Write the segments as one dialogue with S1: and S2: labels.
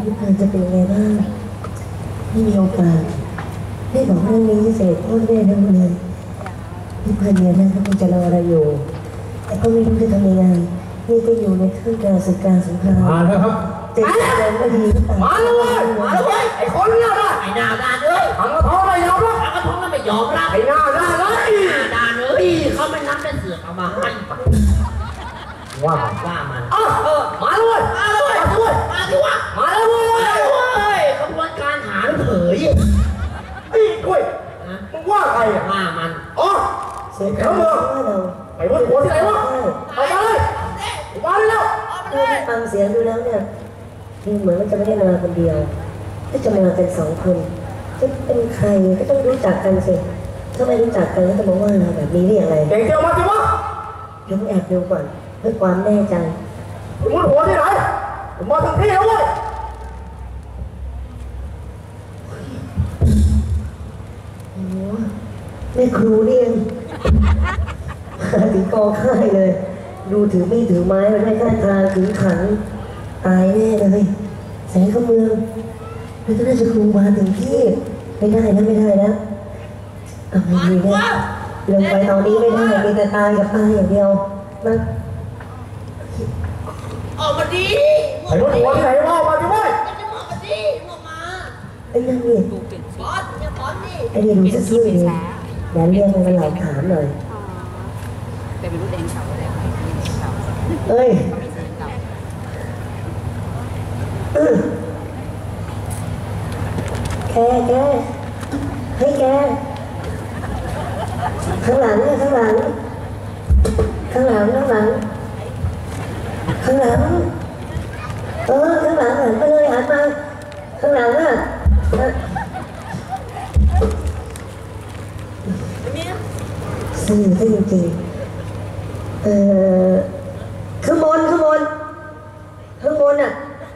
S1: พี่พันจะเป็นไงบ้างไม่มีโอกาสได้บอกเรื่องนี้เสร็จพ่อแม่ทั้งเลยพี่พันเนี่ยนะก็คงจะรอเราอยู่แต่ก็ไม่รู้จะทำยังไงนี่ก็อยู่ในท่ามกลางศึกการสงคราม
S2: มาแล้วครับ
S1: จะทำอะไรก็ดีหรือเปล่า
S2: มาแล้วเว้ยมาแล้วเว้ยไอ้คนเนี่ยนะ
S3: ไอ้หน้าด้านเลย
S2: ทำกระท้องไม่ยอมรับ
S3: ทำกระท้องแล้วไม่ยอมรับ
S2: ไอ้หน้าด้านเลย
S3: หน้าด้านเลยเขาไม่นับได้เสือกเอามาให้
S2: ว่า
S3: มัน
S2: มาแล้วเว้ยมาแล้วเว้ย
S3: มาสิวะ
S2: มาแล้วเว้
S3: ยขบวนการหาเผย
S2: ไอ้ด้วยมึงว่าใครอ่ะ
S3: ว่ามัน
S1: เสร็จแล้วเมือง
S2: ไอ้วัดหัวที่ไหนวะเอามาเลยมาแล้ว
S1: ฟังเสียงดูแล้วเนี่ยดูเหมือนว่าจะไม่ได้มาคนเดียวก็จะมาเป็นสองคนจะเป็นใครก็ต้องรู้จักกันสิถ้าไม่รู้จักกันแล้วจะมาว่าเราแบบนี้ได้อย่างไร
S2: เก่งเจ้ามาสิวะ
S1: ยกแอบดูก่อนเพื่อความแน่ใจ
S2: วัดหัวที่ไหนมาถึงที่แล้วเว้ย
S1: โอ้แม่ครูนี่เองถึงกองค่ายเลยดูถือไม่ถือไม้มันไม่ท่าทางถือขันตายแน่เลยแสงเข้าเมืองแล้วก็น่าจะครูมาถึงที่ไม่ได้นะไม่ได้นะเอาไม่ดีนะลงไปตอนนี้ไม่ได้มีแต่ตายกับตายอย่างเดียวมา
S3: ออกมาดี
S2: ไอ้วัดหัวที่ไหนวะมาสิเว้ย
S3: จะมาดีมา
S1: ไอ้นั่นนี่
S3: บอสอย่าบอสดิ
S1: ไอ้นี่ดูจะซื่อเลยอย่าเรียกมันหลอกถามหน่อย
S4: แต่เป็นรุ่นเองเขาอะไร
S1: เอ้ยแกให้แกข้างหลังเนี่ยข้างหลังข้างหลังข้างหลังข้างหลังข้างหลังหันไปเลยหันมาข้างหลังอ่ะสื่อได้จริงๆข้างบนอ่ะ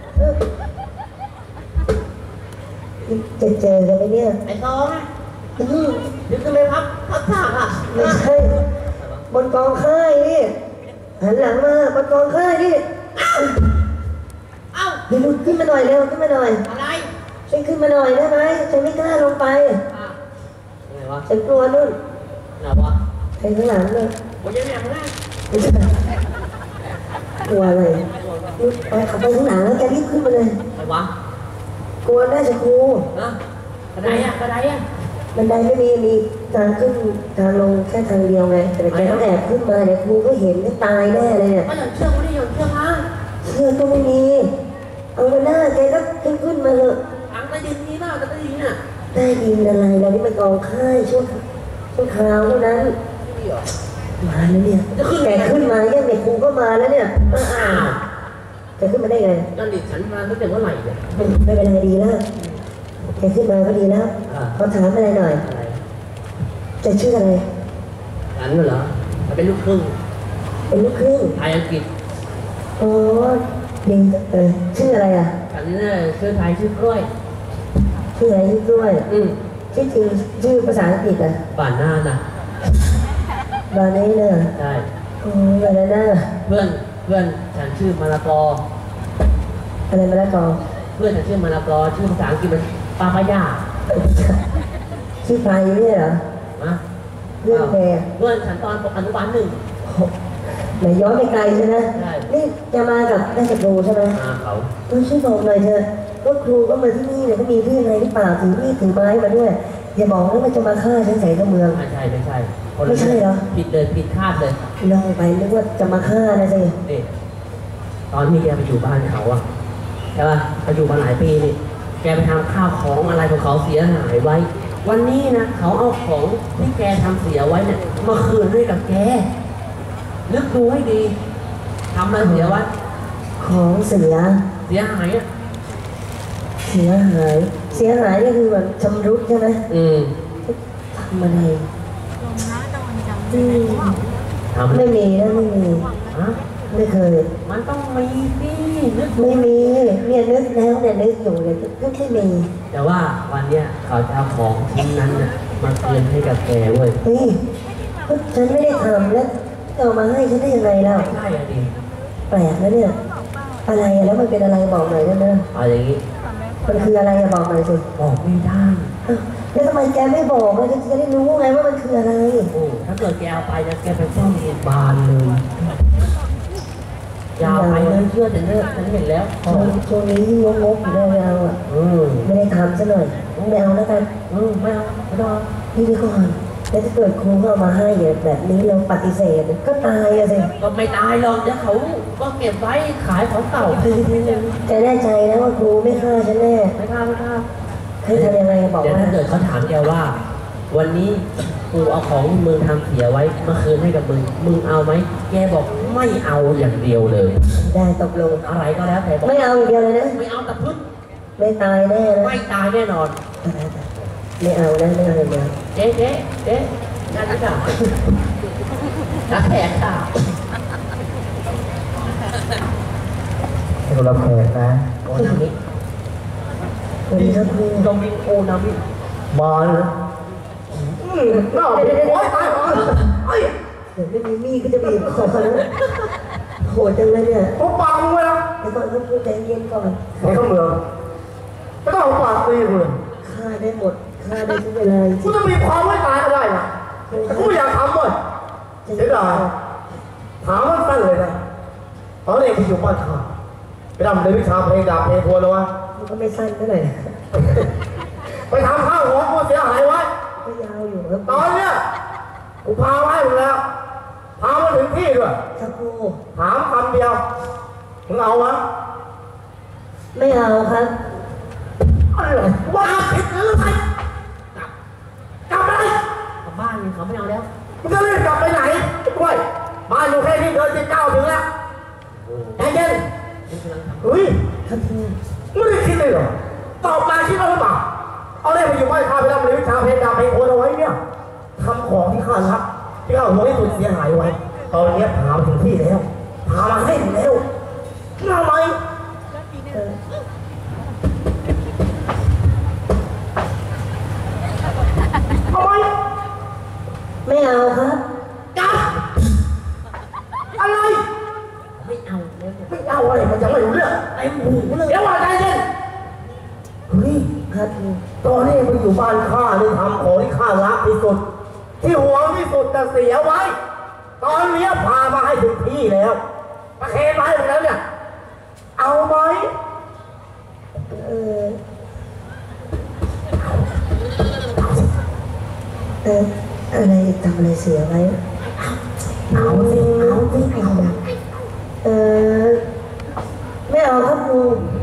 S1: จะเจอกันไหมเนี่ย
S3: ไอ้ซองนึกทำไมพับฉากอ่ะ
S1: ไม่ใช่บนกองค่ายนี่หันหลังมาบนกองค่ายนี่
S3: เอ้า
S1: เดี๋ยวขึ้นมาหน่อยเร็วขึ้นมาหน่อย
S3: อะไร
S1: ฉันขึ้นมาหน่อยได้ไหมฉันไม่กล้าลงไปฉันกลัวนู่น
S3: ไหนวะ
S1: ใครข้างหลังเลย
S3: วันนี้แม่มาแล้ว
S1: ไม่ใช่กลัวอะไรไปขับไปข้างหลังแล้วแกรีบขึ้นมาเลย
S3: ใครวะ
S1: กลัวน่าจะครู
S3: กระไดอ่ะ
S1: บันไดไม่มีทางขึ้นทางลงแค่ทางเดียวไงแต่แกต้องแอบขึ้นมาเดี๋ยวครูก็เห็นก็ตายแน่เลยเนี่ย
S3: ก็หย่อนเชือกไม่ได้หย่อนเชือกฮะ
S1: เชือกก็ไม่มีเอาหน้าแกก็ขึ้นมาเถอะ
S3: ทางใต้ดินนี้เปล่าใต้ดินอ่ะ
S1: ใต้ดินอะไรเรานี่มันกองค่ายช่วงคราวเท่านั้นมาแล้วเนี่ยแกขึ้นมาเนี่ยเด็กครูก็มาแล้วเนี่ยแกขึ้นมาได้ไง
S3: นั่นดิฉันมาตั้งแต่เมื่อไหร่เนี่ย
S1: ไม่เป็นไรดีแล้วแกขึ้นมาก็ดีแล้วเขาถามอะไรหน่อยจะชื่ออะไร
S3: ฉันเหรอเป็นลูกครึ่งไทยอังกฤษ
S1: โอ้ดีชื่ออะไรอ่ะ
S3: ฉันเนี่ยชื่อไทยชื่อกล้วย
S1: ชื่ออะไรชื่อกล้วยชื่อจริงชื่อภาษาอังกฤษอ่ะ
S3: ป่านหน้าน่ะ
S1: บานี้เนี่ย
S3: ใช่
S1: โอ้ยอะไรนะ
S3: เพื่อนฉันชื่อมะละกอ
S1: อะไรมะละกอ
S3: เพื่อนฉันชื่อมะละกอชื่อภาษาอังกฤษมันปาปายา
S1: ชื่อไฟเนี่ยเหรอเรื่องแก
S3: เพื่อนฉันตอนอนุบาล1
S1: ไหนย้อนไปไกลใช่ไหมนี่จะมากับแม่ครูใช่ไหม
S3: เขา
S1: ช่วยบอกหน่อยเถอะว่าครูก็มาที่นี่เนี่ยก็มีเรื่องอะไรหรือเปล่าถือมีดถือไม้มาด้วยอย่าบอกนะว่าจะมาฆ่าฉันใส่กระเมือง
S3: ไม่ใช่
S1: ไม่ใช่เหรอ
S3: ผิดเลยผิดคาดเลย
S1: ลองไปนึกว่าจะมาฆ่านะสิ
S3: ตอนที่แกไปอยู่บ้านเขาอะใช่ป่ะไปอยู่มาหลายปีนี่แกไปทำข้าวของอะไรของเขาเสียหายไว้วันนี้นะเขาเอาของที่แกทำเสียไว้เนี่ยมาคืนให้กับแกนึกดูให้ดีทำอะไรเสียไว้
S1: ของเสี
S3: ยหายอะ
S1: เสียหายนี่คือแบบชำรุดใช่ไหมทำอะไรไม่มีนะไม่มีไม่เคย
S3: มันต้องมีสินึก
S1: ไม่มีเนี่ยนึกแล้วเนี่ยนึกอยู่เลยนึกไม่มี
S3: แต่ว่าวันเนี้ยเขาจะเอาของชิ้นนั้นน่ะมาคืนให้กับแกเว้ย
S1: ฉันไม่ได้ทำแล้วเอามาให้ฉันได้ยังไงเล่า
S3: ใช่อะดิ
S1: แปลกนะเนี่ยอะไรอะแล้วมันเป็นอะไรบอกหน่อยได้ไหม
S3: เอาอย่างนี้
S1: มันคืออะไรอะบอกหน่อยสิ
S3: บอกไม่ได้
S1: อ้าวแล้วทำไมแกไม่บอกอะจะได้รู้ไงว่ามันคืออะไร
S3: โอ้ถ้าเกิดแกเอาไปนะแกไปซ่อมโรงพยาบาลเลยอยาวไปเลยเชื่อแต่เนี่ยฉันเห็นแล้ว
S1: ช่วงนี้งกอยู่ได้ไม่เอาอ่ะ ไม่ได้ทำซะหน่อยไม่เอาแล้วกัน
S3: ไม่เอาไม่ต้องเอา
S1: นี่ดีก่อนแล้วถ้าเกิดครูเอามาให้เนี่ยแบบนี้เราปฏิเสธก็ตายอะสิ
S3: ก็ไม่ตายหรอกเดี๋ยวเขาก็เก็บไว้ขายของเก่า
S1: แกแน่ใจนะว่าครูไม่ฆ่าฉันแน่
S3: ไม่ฆ่าไม่ฆ่า
S1: ให้ทำยังไงบอก
S3: เดี๋ยว
S1: ว่า
S3: ถ้าเกิดเขาถามแกว่า วันนี้กูเอาของมึงทำเสียไว้มาคืนให้กับมึงเอาไหมแกบอกไม่เอาอย่างเดียวเลย
S1: ได้ตกลง
S3: อะไรก็แล้วแต่บอก
S1: ไม่เอาอย่างเดียวเลยนะ
S3: ไม่เอาแต่พึ่ง
S1: ไม่ตายแน่นะ
S3: ไม่ตายแน่นอน
S1: ไม่เอานะไม่เอาอย่างเดียว
S3: เจ๊งานนี้ค่ะนักแขกค่ะ
S2: ให้เราแขกนะ
S3: โอ้นามิ
S1: วันนี้ครับครู
S3: โดมิงโอนามิ
S2: มาเลยน่าโอ้ยตายก่อนเฮ้ย
S1: เดี๋ยวไม่มีมีดก็จะบีบคอแล้วโหดจังเลยเนี่ย
S2: ผมปากมึงเลยนะ
S1: เดี๋ยวก่อนครับครูใจเย็นก่อน
S2: ในข้าเมืองไม่ต้องเอาปากตีกูเลย
S1: ฆ่าได้หมดฆ่าได้ทุกเวลาจ
S2: กู
S1: ริง
S2: จะมีความไม่ตายก็ได้นะแต่กูไม่อยากทำเลยเสียดายถามว่าสั้นเลยนะตอนเด็กกูอยู่บ้านข้าไปทำในวิชาเพลงดาบเพลงทัวร์เลยวะ
S1: มันก็ไม่สั้นเท่าไหร่
S2: ไปทำข้าวของกูเสียหายไว้
S1: ก็ยาวอยู่ครับ
S2: ตอนเนี้ยกูพาไว้หมดแล้วพามาถึงที่ด้วย
S1: ครับครู
S2: ถามคำเดียวมึงเอาวะ
S1: ไม่เอาครับ
S2: อะไรว่าผิดหรือไงกลับไป
S3: กลับบ้านเขาไม่เอาแล้ว
S2: มึงจะรีบกลับไปไหนกล้วยบ้านอยู่แค่นี้เดินจะ9 ถึงแล้วใจเย็นเฮ้ย
S1: ครับครู
S2: ไม่ได้คิดเลยเหรอตอบมาคิดแล้วหรือเปล่าเอาเล่มาอยู่บ้านข้าไปทำเรียนวิชาเพลงดาบเพลงโอนเอาไว้เนี่ยทำของที่ข้ารักที่ข้าหวงที่สุดเสียหายไว้ตอนนี้พามาถึงที่แล้วพามาให้ถึงแล้วเอาไหม
S1: เออ
S2: เอาไหม
S1: ไม่เอาครับ
S2: จับอะไร
S3: ไม่เอาแล้วเนี่ย
S2: ไม่เอาอะไรมันจะไม่รู้เรื่อง
S3: ไอ้หูเลย
S2: เดี๋ยวว่าใจเย็นเฮ้ย
S1: ครับครู
S2: ตอนนี้มันอยู่บ้านข้านี่ทำของที่ข้ารักที่สุด ที่หวงที่สุดแต่เสียไว้ ตอนนี้พามาให้ถึงที่แล้วประเคนมาให้ถึงแล้วเนี่ย เอาไหม
S1: เอออะไรทำอะไรเสียไว้
S2: เอาสิเอาสิเอา
S1: เออไม่เอาครับครู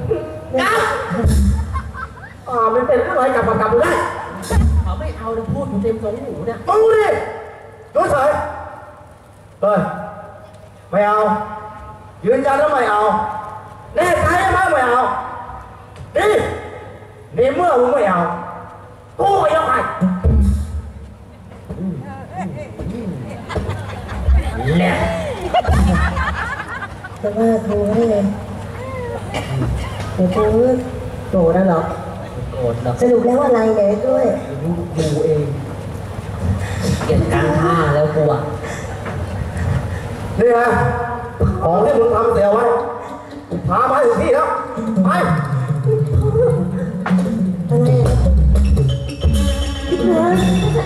S2: มันเป็นอะไรกับประกับได้
S3: เขาไม่เอาเลยพูดอยู่เต็มสองหูเนี่ย
S2: มึงดิดูเฉยเฮ้ยไม่เอายืนยันแล้วไม่เอาแน่ใจไหมไม่เอานี่ในเมื่อมึงไม่เอากูก็ยังไง
S3: แหละ
S1: แต่ว่าครูให้เลยเดี๋ยวครูโกรธนะหรอ
S3: โกรธหรอก
S1: สรุปแล้วอะไรเนี่ยด้วย
S3: กูเองเกลียดการท่าแล้วกูอ่ะ
S2: นี่นะของที่มึงทำเสียไว้พามาถึงที่แล้วไป
S1: อะไรพี่เพื่อน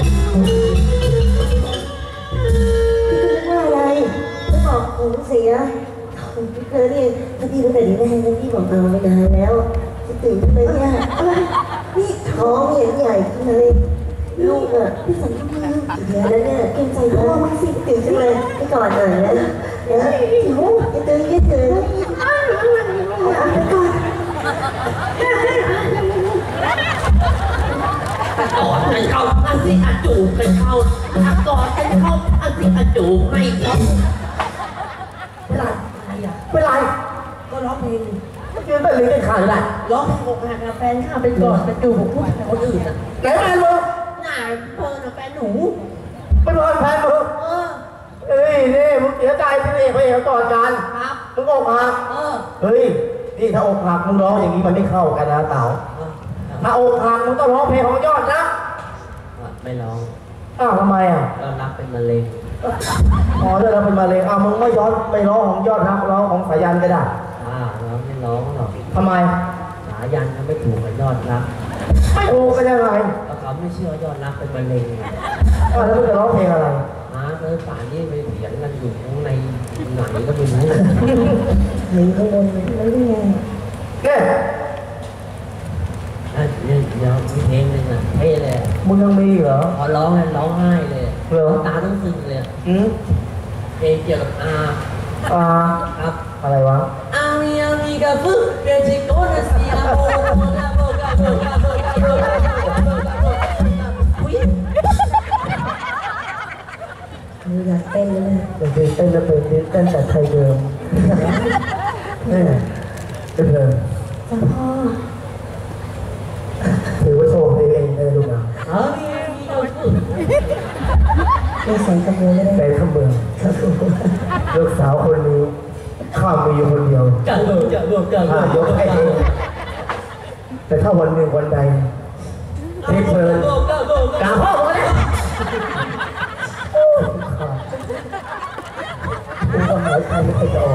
S1: ว่าอะไรไม่บอกผมเสียพี่เพื่อนนี่ถ้าพี่รู้แต่ดีแรกนะพี่บอกเอาไม่นานแล้วจะตื่นเลยเนี่ยอะไรนี่ท้องเห็นใหญ่ขึ้นเลยลูกอ่ะพี่สันทำไมเดี๋ยวแล้วเนี่ยเกรงใจพ่อมากสิตื่นขึ้นเลยพี่ก่อนหน่อยนะเดี๋ยวหิวจะตื่นยืดตื่นไปก่อน
S3: กอดกันเข้าอันสิอาจูบกันเข้ากอดกันเข้าอันสิอาจูบให้เขาเป็นไรอะไรอ่ะ
S2: เป็นไร
S3: ก็ร้องเพลง
S2: ยืนไปหรือเป็นขาดอะไร
S3: ร้องเพลงอกหักกับแฟนข้าเป็นกอดเป็นจูบของผู้ชายคนอื่นอ่ะ
S2: ไหนแฟนมึง
S3: น่าเพลินอ่ะแฟนหนู
S2: เป็นรอยแฟนมึง
S3: เออ
S2: เอ้ยนี่มึงเสียใจที่นี่ไปเห็นก่อนกัน
S3: ครับ
S2: มึงอกหัก
S3: เออ
S2: เฮ้ยนี่ถ้าอกหักมึงร้องอย่างนี้มันไม่เข้ากันนะเต๋าถ้าอกหักมึงต้องร้องเพลงของยอดนะ
S3: ไม่ร้อง
S2: อ้าวทำไมอ่ะ
S3: ก็รับเป็นมะเร็ง
S2: อ๋อเรื่องเราเป็นมะเร็งอ้าวมึงไม่ย้อนไม่ร้องของยอดนะร้องของสายันก็ได้
S3: ร้องร้องหรอก
S2: ทำไม
S3: สายันเขาไม่ถูกกับยอดรัก
S2: ไม่ถูกกันยังไง
S3: เพราะเขาไม่เชื่อยอดรักเป็นมะเร็งอะ
S2: แล้วมึงจะร้องเพลงอะไร
S3: เลยป่านนี้ไปเถียงกันอยู่ข้างในไหนก็ไม่รู้
S1: หนีข้างบนแล้วยังไง
S2: แน่
S3: เดี๋ยวมีเพลงหนึ่งอ่ะเท่เลย
S2: มึงยังมีเหรอ
S3: พอร้องแล้วร้องไห้เลย
S2: เหรอ
S3: ตาต้องซึมเลย เพลงเกี่ยวกับอา
S2: อ่า
S3: ครับ
S2: อะไรวะ
S3: อามีอามีกับฟึเปจิโกนาซีอาโบนาโบกาโบกาโบกาโบกาโบกาโบกาโบอุ้ย
S1: อยากเต้นเลยนะ
S2: เป็นเพลงเต้นแล้วเป็นเพลงเต้นแต่ไทยเดิมนี่เป็นเพลง
S1: จ้าพ่อ
S2: ถือว่าโชว์เพลงเองได้ลูกนะ
S3: อามีอามีกับฟึ
S1: ไม่ใส่กระเมือเลย
S2: ในข้าเมือง
S1: ครับผม
S2: ลูกสาวคนนี้ข้ามีอยู่คนเดียว
S3: กาโบกาโบกาโบ
S2: ยกให้เองแต่ถ้าวันหนึ่งวันใดที่เพลิน
S3: กาโบกาโบ
S2: กาพ่อมาแล้วกูก็หายใจไม่ค่อยจะออก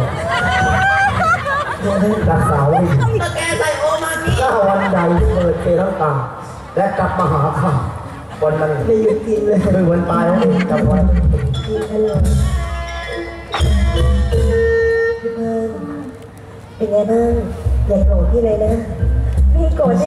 S2: รักษาไว้ดี
S3: ตะแกใส่โอมามิ
S2: ถ้าวันใดเปิดเจทั้งตาและกลับมาหาข้าวันนั้น
S1: ไม่หยุดกินเลย
S2: คือวันตายแล้วเองจำไว้
S1: กินตลอดพี่เพิ่นเป็นไงบ้างอย่าโกรธพี่เลยนะพี่โกรธ